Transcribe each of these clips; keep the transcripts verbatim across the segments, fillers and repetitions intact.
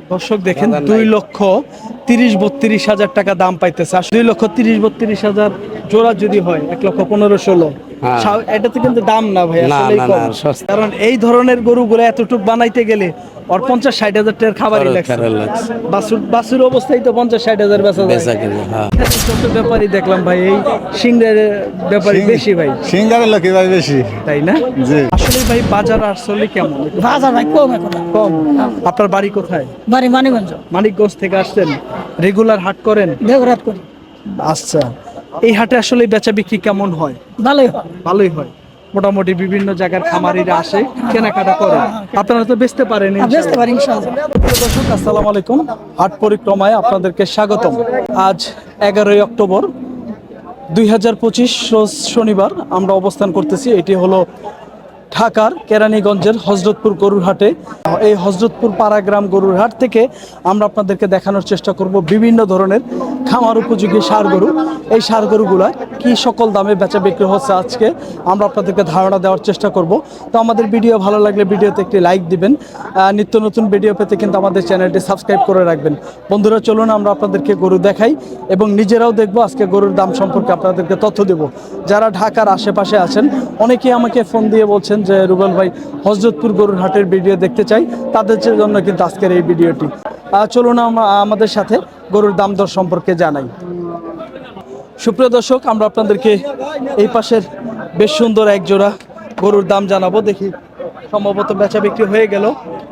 দর্শক দেখেন দুই লক্ষ তিরিশ বত্রিশ হাজার টাকা দাম পাইতেছে। আর দুই লক্ষ তিরিশ বত্রিশ হাজার জোড়া যদি হয় এক লক্ষ পনেরো ষোলো, এটাতে কিন্তু দাম না ভাই, আসলেই কম। কারণ এই ধরনের গরুগুলো এতটুক বানাইতে গেলে ওর পঞ্চাশ ষাট হাজার টাকার খাবারই লাগছে। বাছুর বাছুর অবস্থায় তো পঞ্চাশ ষাট হাজার বেচা যায়। যত ব্যাপারই দেখলাম ভাই, এই সিংহের ব্যাপারই বেশি ভাই, সিঙ্গারের লোকই ভাই বেশি, তাই না? আসলে ভাই বাজার আসলে কেমন? বাজার ভাই কম এখন। কম। আপনার বাড়ি কোথায়? বাড়ি মানিকগঞ্জ। মানিকগঞ্জ থেকে আসছেন? রেগুলার হাট করেন? দেওরাত করি। আচ্ছা, এই হাটে আসলে বেচা বিক্রি কেমন হয়? ভালোই হয়। ভালোই হয় মোটামুটি। বিভিন্ন জায়গার খামারিরা আসে, কেনাকাটা করে। আপনারা তো বেচতে পারেন? বেচতে পারি ইনশাআল্লাহ। দর্শক আসসালামু আলাইকুম, হাট পরিক্রমায় আপনাদেরকে স্বাগতম। আজ এগারোই অক্টোবর দুই হাজার পঁচিশ রোজ শনিবার আমরা অবস্থান করতেছি। এটি হলো ঢাকার কেরানীগঞ্জের হযরতপুর গরুর হাটে। এই হযরতপুর পাড়াগ্রাম গরুর হাট থেকে আমরা আপনাদেরকে দেখানোর চেষ্টা করব বিভিন্ন ধরনের খামার উপযোগী ষাঁড় গরু। এই ষাঁড় গরুগুলা কি সকল দামে বেচা বিক্রি হচ্ছে আজকে আমরা আপনাদেরকে ধারণা দেওয়ার চেষ্টা করব। তো আমাদের ভিডিও ভালো লাগলে ভিডিওতে একটি লাইক দিবেন। নিত্য নতুন ভিডিও পেতে কিন্তু আমাদের চ্যানেলটি সাবস্ক্রাইব করে রাখবেন। বন্ধুরা চলুন আমরা আপনাদেরকে গরু দেখাই এবং নিজেরাও দেখব, আজকে গরুর দাম সম্পর্কে আপনাদেরকে তথ্য দেব। যারা ঢাকার আশেপাশে আছেন অনেকেই আমাকে ফোন দিয়ে বলছেন যে রুবেল ভাই হযরতপুর গরুর হাটের ভিডিও দেখতে চাই, তাদের জন্য কিন্তু আজকের এই ভিডিওটি। চলুন আমাদের সাথে গরুর দাম দর সম্পর্কে জানাই। সুপ্রিয় দর্শক, আমরা আপনাদেরকে এই পাশের বেশ সুন্দর এক জোড়া গরুর দাম জানাবো। দেখি সম্ভবত বেচা বিক্রি হয়ে গেল।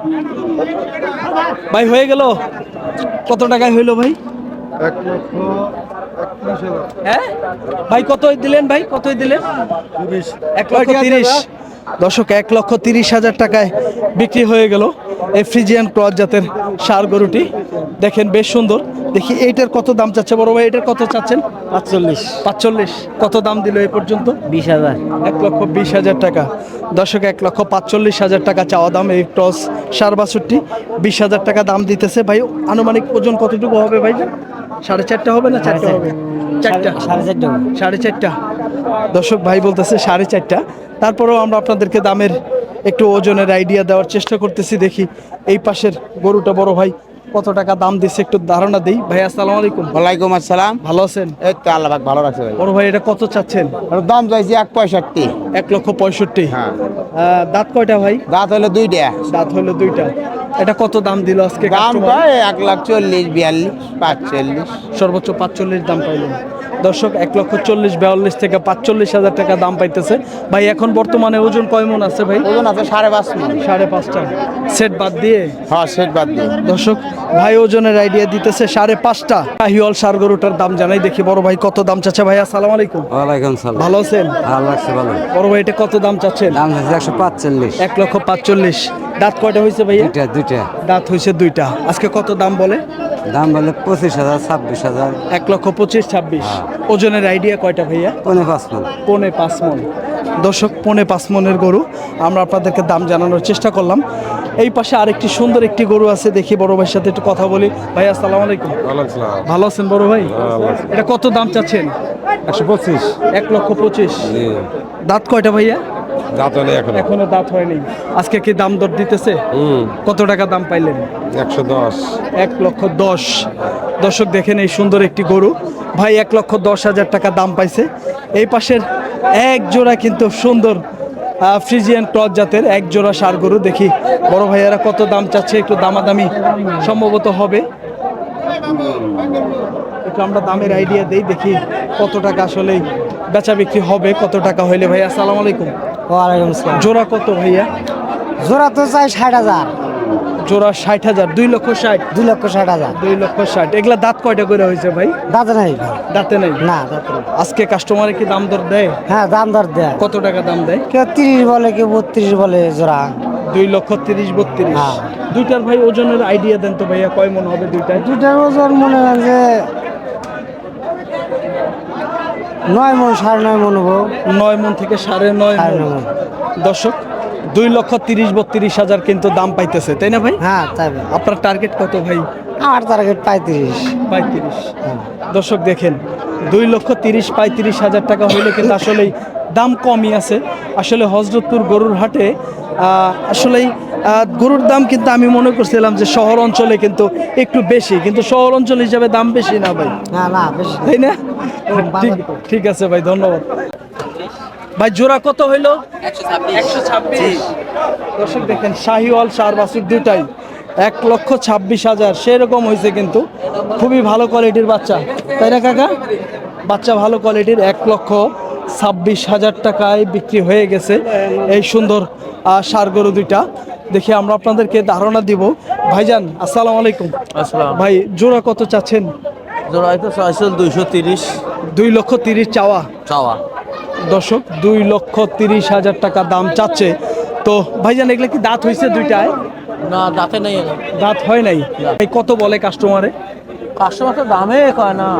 ভাই হয়ে গেল? কত টাকায় হইলো ভাই? হ্যাঁ ভাই কতই দিলেন? ভাই কতই দিলেন? এক লক্ষ তিরিশ। দর্শক এক লক্ষ তিরিশ হাজার টাকায় বিক্রি হয়ে গেল এই ফ্রিজিয়ান ক্রস জাতের ষাঁড় গরুটি। দেখেন বেশ সুন্দর। দেখি এইটার কত দাম চাচ্ছে বড় ভাই? এটার কত চাচ্ছেন? পাঁচচল্লিশ। পাঁচচল্লিশ। কত দাম দিল এই পর্যন্ত? বিশ হাজার। এক লক্ষ বিশ হাজার টাকা। দর্শক এক লক্ষ পাঁচচল্লিশ হাজার টাকা চাওয়া দাম এই ক্রস ষাঁড় বাছুরটি। বিশ হাজার টাকা দাম দিতেছে। ভাই আনুমানিক ওজন কতটুকু হবে ভাই? সাড়ে চারটা হবে না চারটা হবে? চারটা। সাড়ে চারটা। সাড়ে চারটা। দর্শক ভাই বলতেছে সাড়ে চারটা। তারপরেও আমরা আপনাদেরকে দামের একটু ওজনের আইডিয়া দেওয়ার চেষ্টা করতেছি। দেখি এই পাশের গরুটা বড় ভাই কত টাকা দাম দিচ্ছে একটু ধারণা দেই। ভাই আসসালামু আলাইকুম। ওয়ালাইকুম আসসালাম। ভালো আছেন? এই তো আল্লাহ পাক ভালো রাখছে ভাই। বড় ভাই এটা কত চাচ্ছেন? দাম চাইছি এক পঁয়ষট্টি। এক লক্ষ পঁয়ষট্টি। হ্যাঁ। দাঁত কয়টা ভাই? দাঁত হলো দুইটা। দাঁত হলো দুইটা। এটা কত দাম দিল আজকে? দাম পায় এক লাখ চল্লিশ বিয়াল্লিশ পাঁচচল্লিশ। সর্বোচ্চ পাঁচচল্লিশ দাম পাইলেন। দর্শক এক লক্ষ চল্লিশ বিয়াল্লিশ থেকে পাঁচচল্লিশ হাজার টাকা দাম পাইতেছে। ভাই এখন বর্তমানে ওজন কয় মন আছে ভাই? ওজন আছে সাড়ে পাঁচ মণ। সাড়ে পাঁচটা সেট বাদ দিয়ে? হ্যাঁ সেট বাদ দিয়ে। দর্শক ভাই ওজনের আইডিয়া দিতেছে সাড়ে পাঁচটা। হিওল ষাঁড় গরুটার দাম জানাই। দেখি বড় ভাই কত দাম চাচ্ছে। ভাই আসসালামু আলাইকুম। ওয়ালাইকুম সালাম। ভালো আছেন? ভালো লাগছে ভালো। বড় ভাই এটা কত দাম চাচ্ছেন? দাম হচ্ছে একশো পাঁচচল্লিশ। এক লক্ষ পাঁচচল্লিশ। দাঁত কয়টা হয়েছে ভাইয়া? দুইটা দুইটা। দাঁত হয়েছে দুইটা। আজকে কত দাম বলে? দাম বলে পঁচিশ হাজার ছাব্বিশ হাজার। এক লক্ষ পঁচিশ ছাব্বিশ। ওজনের আইডিয়া কয়টা ভাইয়া? পৌনে পাঁচ মণ। পৌনে পাঁচ মণ। দর্শক পৌনে পাঁচ মণের গরু আমরা আপনাদেরকে দাম জানানোর চেষ্টা করলাম। এই পাশে আরেকটি সুন্দর একটি গরু আছে, দেখি বড় ভাইয়ের সাথে একটু কথা বলি। ভাই আসসালামু আলাইকুম। ভালো আছেন বড় ভাই? এটা কত দাম চাচ্ছেন? একশো পঁচিশ। এক লক্ষ পঁচিশ। দাঁত কয়টা ভাইয়া? দাঁত হলে এখন এখনো দাঁত হয়নি। আজকে কি দাম দর দিতেছে? কত টাকা দাম পাইলেন? একশো দশ। এক লক্ষ দশ। দর্শক দেখেন এই সুন্দর একটি গরু ভাই এক লক্ষ দশ হাজার টাকা দাম পাইছে। এই পাশের এক জোড়া কিন্তু সুন্দর ফ্রিজিয়ান ক্রস জাতের এক জোড়া ষাঁড় গরু। দেখি বড় ভাইয়ারা কত দাম চাচ্ছে, একটু দামাদামি সম্ভবত হবে। একটু আমরা দামের আইডিয়া দেই, দেখি কত টাকা আসলে বেচা বিক্রি হবে, কত টাকা হইলে। ভাইয়া আসসালামু আলাইকুম। ওয়ালাইকুম আসসালাম। জোড়া কত ভাইয়া? জোড়া তো চাই ষাট হাজার। জোড়া ষাট হাজার। দুই লক্ষ ষাট। দুই লক্ষ ষাট হাজার। দুই লক্ষ ষাট। এগুলা দাঁত কয়টা করে হয়েছে ভাই? দাঁতে নাই। দাঁতে নেই না দাঁতে নাই। আজকে কাস্টমারে কি দাম দর দেয়? হ্যাঁ দাম দর দেয়। কত টাকা দাম দেয়? কেউ তিরিশ বলে কেউ বত্রিশ বলে জোড়া। দুই লক্ষ তিরিশ বত্রিশ। হ্যাঁ। দুইটার ভাই ওজনের আইডিয়া দেন তো ভাইয়া, কয় মন হবে দুইটায়? দুইটার ওজন মনে হয় যে নয় মন সাড়ে নয় মন হবো। নয় মন থেকে সাড়ে নয় সাড়ে মন। নয় মন। দর্শক দুই লক্ষ তিরিশ বত্রিশ হাজার কিন্তু দাম পাইতেছে, তাই না ভাই? হ্যাঁ তাই। আপনার টার্গেট কত ভাই? আমার টার্গেট পঁয়ত্রিশ। পঁয়ত্রিশ। দর্শক দেখেন দুই লক্ষ তিরিশ পঁয়ত্রিশ হাজার টাকা হইলে কিন্তু আসলেই দাম কমই আছে। আসলে হযরতপুর গরুর হাটে আহ, আসলেই আহ, গরুর দাম কিন্তু আমি মনে করছিলাম যে শহর অঞ্চলে কিন্তু একটু বেশি, কিন্তু শহর অঞ্চল হিসাবে দাম বেশি না ভাই, না না বেশি তাই না? ঠিক ঠিক আছে ভাই, ধন্যবাদ ভাই। জোড়া কত হইলো? একশো ছাব্বিশ। দর্শক দেখেন শাহিওয়াল সার বাছুর দুটাই এক লক্ষ ছাব্বিশ হাজার সেরকম হয়েছে, কিন্তু খুবই ভালো কোয়ালিটির বাচ্চা, তাই না কাকা? বাচ্চা ভালো কোয়ালিটির, এক লক্ষ ছাব্বিশ হাজার টাকায় বিক্রি হয়ে গেছে এই সুন্দর আহ, ষাঁড় গরু দুইটা। দেখি আমরা আপনাদেরকে ধারণা দিব। ভাইজান আসসালামু আলাইকুম। আসসালাম। ভাই জোড়া কত চাচ্ছেন? জোড়াই তো চাইছিল দুইশো তিরিশ দুই লক্ষ তিরিশ চাওয়া। চাওয়া। দর্শক দুই লক্ষ তিরিশ হাজার টাকা দাম চাচ্ছে। তো ভাইজান এগুলো কি দাঁত হয়েছে দুইটায়? না দাঁতে নেই এনে। দাঁত হয় নাই। এই কত বলে কাস্টমারে? কাস্টমার তো দামে কয় না।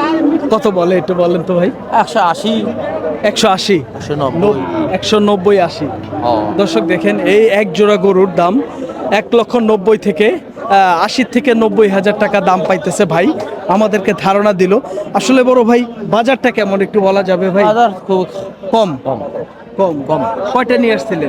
কত বলে একটু বলেন তো ভাই। একশো আশি একশো আশি, একশো নব্বই। একশো নব্বই, আশি। ও দর্শক দেখেন এই এক জোড়া গরুর দাম এক লক্ষ নব্বই থেকে আহ, আশি থেকে নব্বই হাজার টাকা দাম পাইতেছে ভাই, আমাদেরকে ধারণা দিল। আসলে বড় ভাই বাজারটা কেমন একটু বলা যাবে ভাই? বাজার খুব কম কম। কম কম। কয়টা নিয়ে আসছিলেন?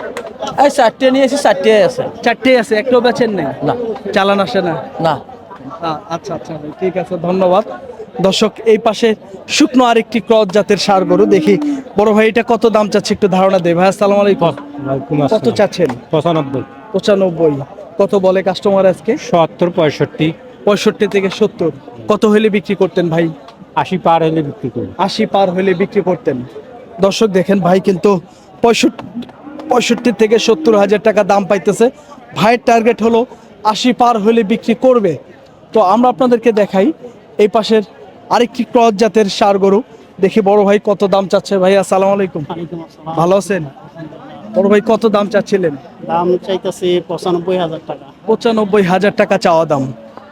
এই চারটে নিয়েছি, চারটে আছে। চারটেই আছে, একটাও বেচেন নেই? না চালান আসে না? না। আ- আচ্ছা আচ্ছা ভাই, ঠিক আছে, ধন্যবাদ। দর্শক এই পাশে শুকনো আরেকটি ক্রস জাতের ষাঁড় গরু দেখি। বড় ভাই এটা কত দাম চাচ্ছে একটু ধারণা দেয় ভাই। আসসালামু আলাইকুম। কত চাচ্ছেন? পঁচানব্বই, পঁচানব্বই। কত বলে কাস্টমার আজকে? সত্তর, পঁয়ষট্টি, পঁয়ষট্টি থেকে সত্তর। কত হলে বিক্রি করতেন ভাই? আশি পার হলে বিক্রি করি। আশি পার হলে বিক্রি করতেন। দর্শক দেখেন ভাই কিন্তু পঁয়ষট্টি পঁয়ষট্টি থেকে সত্তর হাজার টাকা দাম পাইতেছে। ভাইয়ের টার্গেট হলো আশি পার হলে বিক্রি করবে। তো আমরা আপনাদেরকে দেখাই এই পাশের আরেকটি ক্রস জাতের ষাঁড় গরু দেখি। বড় ভাই কত দাম চাচ্ছে? ভাই আসসালামু আলাইকুম, ভালো আছেন? বড় ভাই কত দাম চাচ্ছিলেন? দাম চাইতেছি পঁচানব্বই হাজার টাকা। পঁচানব্বই হাজার টাকা চাওয়া দাম।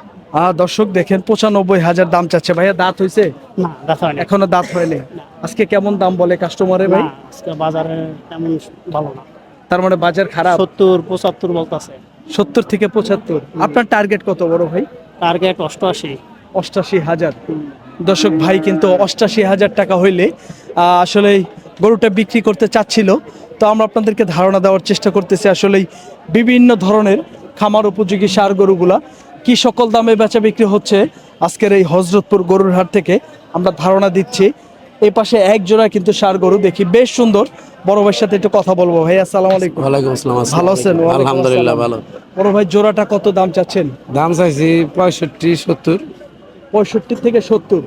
আহ দর্শক দেখেন পঁচানব্বই হাজার দাম চাচ্ছে। ভাইয়া দাঁত হয়েছে? না দেখা হয়নি। এখনো দাঁত হয়নি। আজকে কেমন দাম বলে কাস্টমারে ভাই? না, আজকে বাজারে তেমন ভালো না। তার মানে বাজার খারাপ। সত্তর পঁচাত্তর বলতেছে। সত্তর থেকে পঁচাত্তর। আপনার টার্গেট কত বড় ভাই? টার্গেট অষ্টআশি। অষ্টাশি হাজার। দর্শক ভাই কিন্তু অষ্টাশি হাজার টাকা হইলে আহ, আসলে গরুটা বিক্রি করতে চাচ্ছিল। তো আমরা আপনাদেরকে ধারণা দেওয়ার চেষ্টা করতেছি আসলেই বিভিন্ন ধরনের খামার উপযোগী ষাঁড় গরুগুলা কি সকল দামে বেচা বিক্রি হচ্ছে আজকের এই হযরতপুর গরুর হাট থেকে আমরা ধারণা দিচ্ছি। এই পাশে এক জোড়া কিন্তু ষাঁড় গরু দেখি, বেশ সুন্দর। বড় ভাইয়ের সাথে একটু কথা বলবো। ভাই আসসালামু আলাইকুম। ওয়ালাইকুম আসসালাম। ভালো আছেন? ওয়ালাইকুম আলহামদুলিল্লাহ আসসালাম। ভালো। বড় ভাই জোড়াটা কত দাম চাচ্ছেন? দাম চাইছি পঁয়ষট্টি, সত্তর। পঁয়ষট্টি থেকে সত্তর।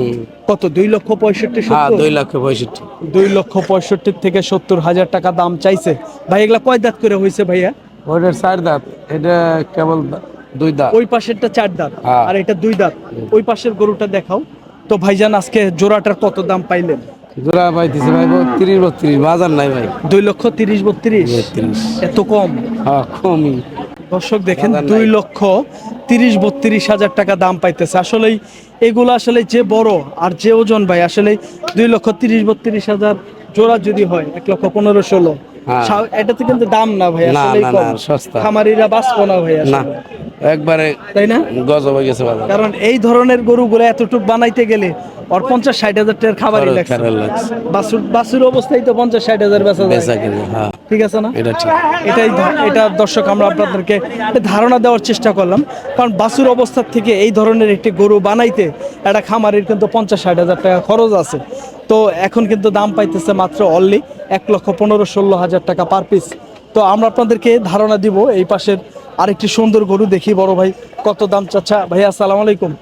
কত? দুই লক্ষ পঁয়ষট্টি, হ্যাঁ সত্তর? দুই লক্ষ পঁয়ষট্টি। দুই লক্ষ পঁয়ষট্টি থেকে সত্তর হাজার টাকা দাম চাইছে ভাই। এগুলা কয় দাঁত করে হয়েছে ভাইয়া? ওইটার চার দাঁত, এটা কেবল দুই দাঁত। ওই পাশেরটা চার দাঁত হ্যাঁ। আর এটা দুই দাঁত। ওই পাশের গরুটা দেখাও তো ভাইজান। আজকে জোড়াটার কত দাম পাইলেন? জোড়া পাইতেছে ভাই তিরিশ, বত্রিশ, বাজার নাই ভাই। দুই লক্ষ তিরিশ, বত্রিশ। বত্রিশ। এত কম? হ্যাঁ কমই। দর্শক দেখেন বাজার নাই। দুই লক্ষ তিরিশ বত্রিশ হাজার টাকা দাম পাইতেছে। আসলেই এগুলো আসলে যে বড় আর যে ওজন ভাই, আসলে দুই লক্ষ তিরিশ বত্রিশ হাজার জোড়া যদি হয় এক লক্ষ পনেরো ষোলো, হ্যাঁ। সা- এটাতে কিন্তু দাম না ভাই, না, আসলেই না, কম। না, সস্তা। খামারিরা বাঁচবো না ভাই আসলে। না একবারে তাই না? গজব হয়ে গেছে বাজার। কারণ এই ধরনের গরুগুলো এতটুক বানাইতে গেলে ওর পঞ্চাশ ষাট হাজার টাকার খাবারই খরচ লাগছে। খারাপ লাগছে। বাসুর বাসুর অবস্থায় তো পঞ্চাশ ষাট হাজার বেচা যায়। বেচা কিনে, হ্যাঁ ঠিক আছে না? এটা ঠিক। এটাই ধ- এটা দর্শক আমরা আপনাদেরকে একটা ধারণা দেওয়ার চেষ্টা করলাম। কারণ বাছুর অবস্থার থেকে এই ধরনের একটি গরু বানাইতে একটা খামারের কিন্তু পঞ্চাশ ষাট হাজার টাকা খরচ আছে। তো এখন কিন্তু দাম পাইতেছে মাত্র অনলি এক লক্ষ পনেরো ষোলো হাজার টাকা পার পিস। তো আমরা আপনাদেরকে ধারণা দিব এই পাশের আরেকটি সুন্দর গরু দেখি। বড় ভাই কত দাম চাচ্ছা? ভাই আসসালামু আলাইকুম,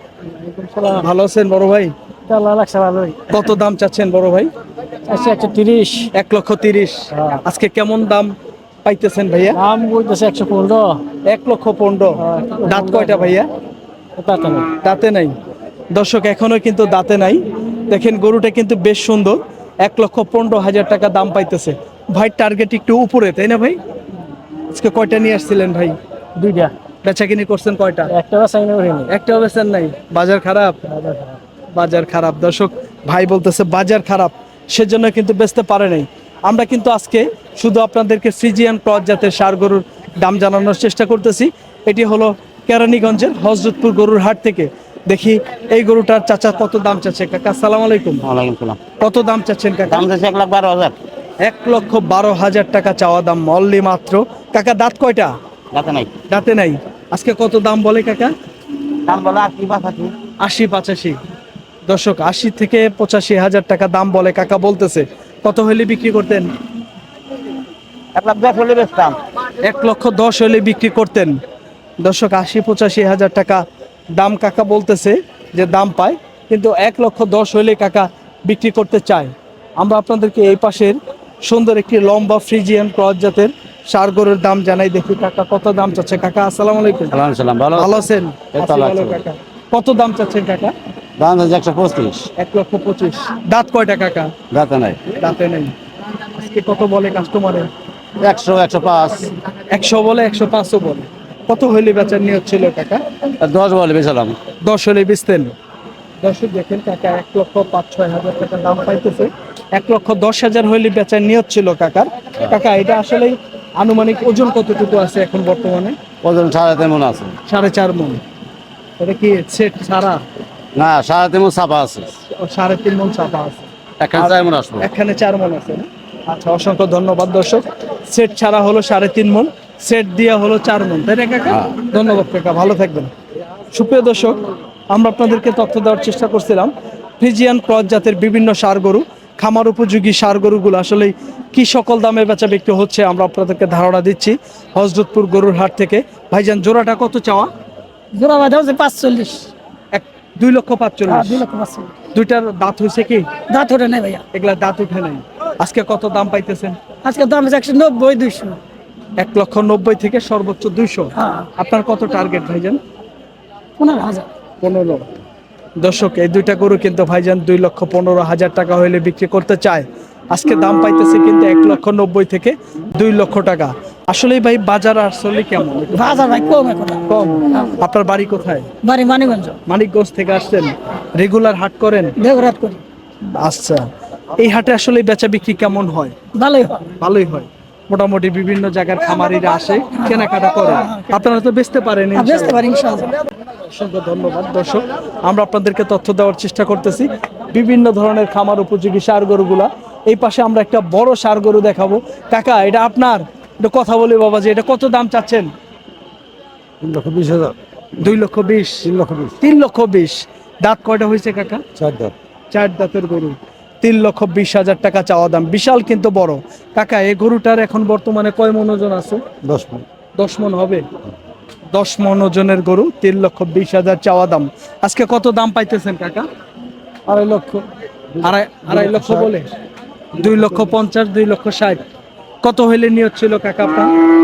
ভালো আছেন বড় ভাই? আল্লাহ লাগছে ভালোই। কত দাম চাচ্ছেন বড় ভাই? আচ্ছা একশো তিরিশ। এক লক্ষ তিরিশ। আজকে কেমন দাম পাইতেছেন ভাইয়া? দাম বলতেছে একশো পনেরো। এক লক্ষ পনেরো। দাঁত কয়টা ভাইয়া? দাঁতে নাই। দর্শক এখনো কিন্তু দাঁতে নাই। দেখেন গরুটা কিন্তু বেশ সুন্দর। এক লক্ষ পনেরো হাজার টাকা দাম পাইতেছে ভাই। টার্গেট একটু উপরে, তাই না ভাই? আজকে কয়টা নিয়ে আসছিলেন ভাই? দুইটা। বেচা কিনি করছেন কয়টা? একটা বাসাই নেই। একটাও বেচেন নাই? বাজার খারাপ। বাজার খারাপ। দর্শক ভাই বলতেছে বাজার খারাপ, সেজন্য কিন্তু বেচতে পারে নাই। আমরা কিন্তু আজকে শুধু আপনাদেরকে ফ্রিজিয়ান ক্রস জাতের ষাঁড় গরুর দাম জানানোর চেষ্টা করতেছি। এটি হলো কেরানীগঞ্জের হযরতপুর গরুর হাট থেকে। দেখি এই গরুটার চাচা কত দাম চাচ্ছে কাকা। আসসালামু আলাইকুম। ওয়ালাইকুম সালাম। কত দাম চাচ্ছেন কাকা? দাম চাইছে এক লাখ বারো হাজার। এক লক্ষ বারো হাজার টাকা চাওয়া দাম, অনলি মাত্র। কাকা দাঁত কয়টা? যাতে নাই। দাঁতে নাই। আজকে কত দাম বলে কাকা? দাম বলে আশি পাঁচাশি। আশি পঁচাশি। দর্শক আশি থেকে পঁচাশি হাজার টাকা দাম বলে কাকা বলতেছে। কত হলে বিক্রি করতেন? এক লাখ দশ হলে বেচতাম। এক লক্ষ দশ হলে বিক্রি করতেন। দর্শক আশি পঁচাশি হাজার টাকা দাম কাকা বলতেছে যে দাম পায়, কিন্তু এক লক্ষ দশ হলে কাকা বিক্রি করতে চায়। আমরা আপনাদেরকে এই পাশের সুন্দর একটি লম্বা ফ্রিজিয়ান ক্রস জাতের ষাঁড় গরুর দাম জানাই। দেখি কাকা কত দাম চাচ্ছে। কাকা আসসালামু আলাইকুম। সালাম সালাম ভালো ভালো আছেন? এই তো আছি ভালো আছি। কাকা। কত দাম চাচ্ছেন কাকা? দাম আছে একশো পঁচিশ। এক লক্ষ পঁচিশ। দাঁত কয়টা কাকা? যাতে নাই। দাঁতে নেই। আজকে কত বলে কাস্টমারে? একশো একশো পাঁচ। একশো বলে, একশো পাঁচও বলে। কত হইলে বেচার নিয়ত ছিল কাকা? দশ বলে বেচালাম। দশ হলে বেচতেন। দর্শক দেখেন কাকা এক লক্ষ পাঁচ ছয় হাজার টাকা দাম পাইতেছে। এক লক্ষ দশ হাজার হইলে বেচার নিয়ত ছিল কাকার। কাকা এটা আসলে আনুমানিক ওজন কতটুকু আছে এখন বর্তমানে? ওজন সাড়ে তিন মন আছে। সাড়ে চার মন। এটা কি সেট ছাড়া? না, সাড়ে তিন মন চাপা আছে। ও, সাড়ে তিন মন চাপা আছে। এখানে চার মন আসবো। এখানে চার মন আছে না? আচ্ছা, অসংখ্য ধন্যবাদ দর্শক। সেট ছাড়া হলো সাড়ে তিন মন, সেট দিয়া হলো চার মন, তাই না কাকা? ধন্যবাদ কাকা, ভালো থাকবেন। সুপ্রিয় দর্শক, আমরা আপনাদেরকে তথ্য দেওয়ার চেষ্টা করছিলাম ফ্রিজিয়ান ক্রস জাতের বিভিন্ন ষাঁড় গরু, খামার উপযোগী ষাঁড় গরুগুলো আসলে কি সকল দামে বেচা বিক্রি হচ্ছে আমরা আপনাদেরকে ধারণা দিচ্ছি হযরতপুর গরুর হাট থেকে। ভাইজান জোড়াটা কত চাওয়া? জোড়া বাঁধা হচ্ছে পাঁচচল্লিশ। এক দুই লক্ষ হ্যাঁ, পাঁচচল্লিশ। দুই লক্ষ পাঁচচল্লিশ। দুইটার দাঁত হয়েছে কি? দাঁত ওঠে নাই ভাইয়া। এগুলা দাঁত উঠে নাই। আজকে কত দাম পাইতেছেন? আজকে দাম আছে একশো নব্বই দুইশো। এক লক্ষ নব্বই থেকে সর্বোচ্চ দুইশো। হ্যাঁ। আপনার কত টার্গেট ভাইজান? পনেরো হাজার। পনেরো। দর্শক এই দুইটা গরু কিন্তু ভাইজান দুই লক্ষ পনেরো হাজার টাকা হইলে বিক্রি করতে চায়। আজকে দাম পাইতেছে কিন্তু এক লক্ষ নব্বই থেকে দুই লক্ষ টাকা। আসলে ভাই বাজার আসলে কেমন? বাজার ভাই কম এখন। কম। আপনার বাড়ি কোথায়? বাড়ি মানিগঞ্জ। মানিকগঞ্জ থেকে আসছেন? রেগুলার হাট করেন? দেবরাত করি। আচ্ছা, এই হাটে আসলে বেচা বিক্রি কেমন হয়? ভালোই হয়। ভালোই হয়। মোটামুটি বিভিন্ন জায়গার খামারিরা আসে, কেনাকাটা করে। আপনারা তো বেচতে পারেন আর বেচতে পারি ইনশাআল্লাহ। অসংখ্য ধন্যবাদ দর্শক। আমরা আপনাদেরকে তথ্য দেওয়ার চেষ্টা করতেছি বিভিন্ন ধরনের খামার উপযোগী ষাঁড় গরুগুলা। এই পাশে আমরা একটা বড় ষাঁড় গরু দেখাবো। কাকা এটা আপনার? এটা কথা বলি বাবা, যে এটা কত দাম চাচ্ছেন? তিন লক্ষ বিশ হাজার। দুই লক্ষ বিশ। তিন লক্ষ বিশ। তিন লক্ষ বিশ। দাঁত কয়টা হয়েছে কাকা? চার দাঁত। চার দাঁতের গরু। তিন লক্ষ বিশ হাজার টাকা চাওয়া দাম, বিশাল কিন্তু বড়। কাকা এই গরুটার এখন বর্তমানে কয় মন ওজন আছে? দশ মন। দশ মন হবে। দশ মন ওজনের গরু, তিন লক্ষ বিশ হাজার চাওয়া দাম। আজকে কত দাম পাইতেছেন কাকা? আড়াই লক্ষ। আড়াই আড়াই লক্ষ বলে? দুই লক্ষ পঞ্চাশ, দুই লক্ষ ষাট। কত হইলে নিয়ত ছিল কাকা আপনার?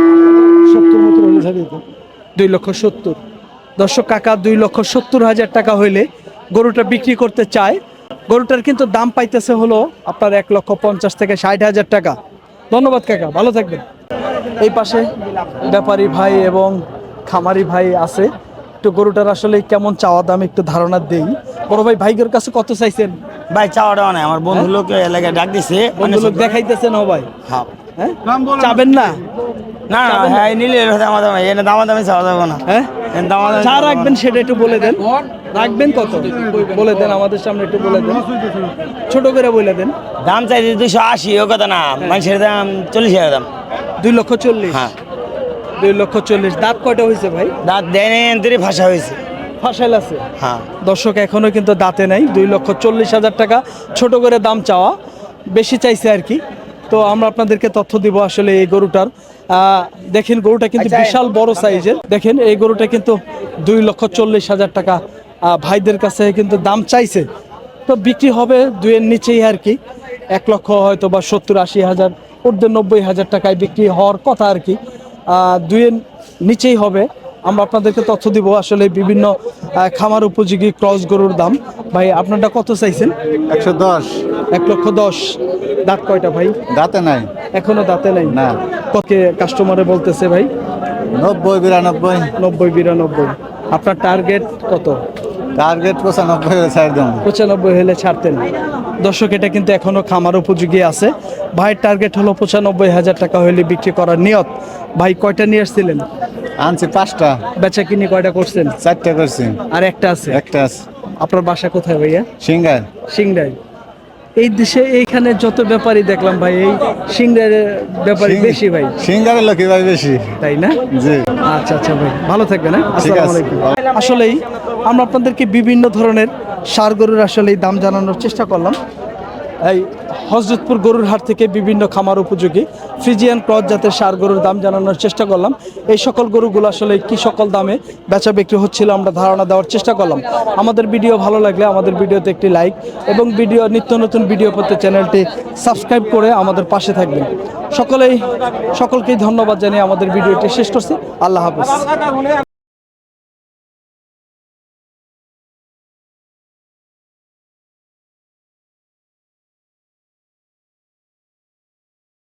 সত্তর মতো হলে ছাড়িয়ে দিত। দুই লক্ষ সত্তর। দর্শক কাকা দুই লক্ষ সত্তর হাজার টাকা হইলে গরুটা বিক্রি করতে চায়। গরুটার কিন্তু দাম পাইতেছে হলো আপনার এক লক্ষ পঞ্চাশ থেকে ষাট হাজার টাকা। ধন্যবাদ কাকা, ভালো থাকবেন। এই পাশে ব্যাপারী ভাই এবং খামারি ভাই আছে। একটু গরুটার আসলে কেমন চাওয়া দাম একটু ধারণা দেই। বড় ভাই, ভাইগের কাছে কত চাইছেন? ভাই চাওয়াটা নাই, আমার বন্ধু লোক এলাকায় ডাক দিছে। বন্ধু লোক দেখাইতেছেন ও ভাই? হ্যাঁ। হ্যাঁ, চাবেন না? না না, হ্যাঁ নিলে দামাদামি, এনে দামাদামি চাওয়া যাবে না। হ্যাঁ, এনে দামাদামি যা রাখবেন সেটা একটু বলে দেন। রাখবেন কত বলে দেন, আমাদের সামনে একটু বলে দেন, ছোট করে বলে দেন। দাম চাইছে দুইশো আশি, ও কথা না, মানুষের দাম চল্লিশ হাজার দাম। দুই লক্ষ চল্লিশ। হ্যাঁ, দুই লক্ষ চল্লিশ। দাঁত কয়টা হয়েছে ভাই? দাঁত দেয় নেই, এনতরি ভাষা হয়েছে। ফাঁসাইল আছে? হ্যাঁ। দর্শক এখনো কিন্তু দাঁতে নাই। দুই লক্ষ চল্লিশ হাজার টাকা ছোট করে দাম চাওয়া, বেশি চাইছে আর কি। তো আমরা আপনাদেরকে তথ্য দিব আসলে এই গরুটার। আহ, দেখেন গরুটা কিন্তু বিশাল বড় সাইজের। দেখেন এই গরুটা কিন্তু দুই লক্ষ চল্লিশ হাজার টাকা আহ, ভাইদের কাছে কিন্তু দাম চাইছে। তো বিক্রি হবে দুইয়ের নিচেই আর কি। এক লক্ষ হয়তো বা সত্তর আশি হাজার, ঊর্ধ্বে নব্বই হাজার টাকায় বিক্রি হওয়ার কথা আর কি। আহ, দুইয়ের নিচেই হবে। আমরা আপনাদেরকে তথ্য দিব আসলে বিভিন্ন আহ, খামার উপযোগী ক্রস গরুর দাম। ভাই আপনারটা কত চাইছেন? একশো দশ। এক লক্ষ দশ। দাঁত কয়টা ভাই? দাঁতে নাই। এখনো দাঁতে নাই না। কত কাস্টমারে বলতেছে ভাই? নব্বই বিরানব্বই। নব্বই বিরানব্বই। আপনার টার্গেট কত? টার্গেট পঁচানব্বই হলে ছাড় দেবো। পঁচানব্বই হলে ছাড়তেন। দর্শক এটা কিন্তু এখনো খামার উপযোগী আছে। ভাইয়ের টার্গেট হলো পঁচানব্বই হাজার টাকা হলে বিক্রি করার নিয়ত। ভাই কয়টা নিয়ে আসছিলেন? আনছি পাঁচটা, বেচা কিনে কয়টা করছেন? চারটা করছি, আর একটা আছে। একটা আছে আপনার বাসা কোথায় ভাইয়া? সিঙ্গার। সিংড়াই। এই দেশে এইখানে যত ব্যাপারী দেখলাম ভাই, এই সিংড়ার ব্যাপারী বেশি ভাই, সিঙ্গারের লোকই ভাই বেশি। তাই না? জি, আচ্ছা আচ্ছা ভাই, ভালো থাকবেন। হ্যাঁ, ঠিক আসসালামু আছে। আলাইকুম। আসলেই আমরা আপনাদেরকে বিভিন্ন ধরনের ষাঁড় গরুর আসলে দাম জানানোর চেষ্টা করলাম। এই হযরতপুর গরুর হাট থেকে বিভিন্ন খামার উপযোগী ফ্রিজিয়ান ক্রস জাতের ষাঁড় গরুর দাম জানানোর চেষ্টা করলাম। এই সকল গরুগুলো আসলে কি সকল দামে বেচা বিক্রি হচ্ছিল আমরা ধারণা দেওয়ার চেষ্টা করলাম। আমাদের ভিডিও ভালো লাগলে আমাদের ভিডিওতে একটি লাইক এবং ভিডিও নিত্য নতুন ভিডিও পেতে চ্যানেলটি সাবস্ক্রাইব করে আমাদের পাশে থাকবেন। সকলেই সকলকেই ধন্যবাদ জানিয়ে আমাদের ভিডিওটি শেষ করছি। আল্লাহ হাফেজ।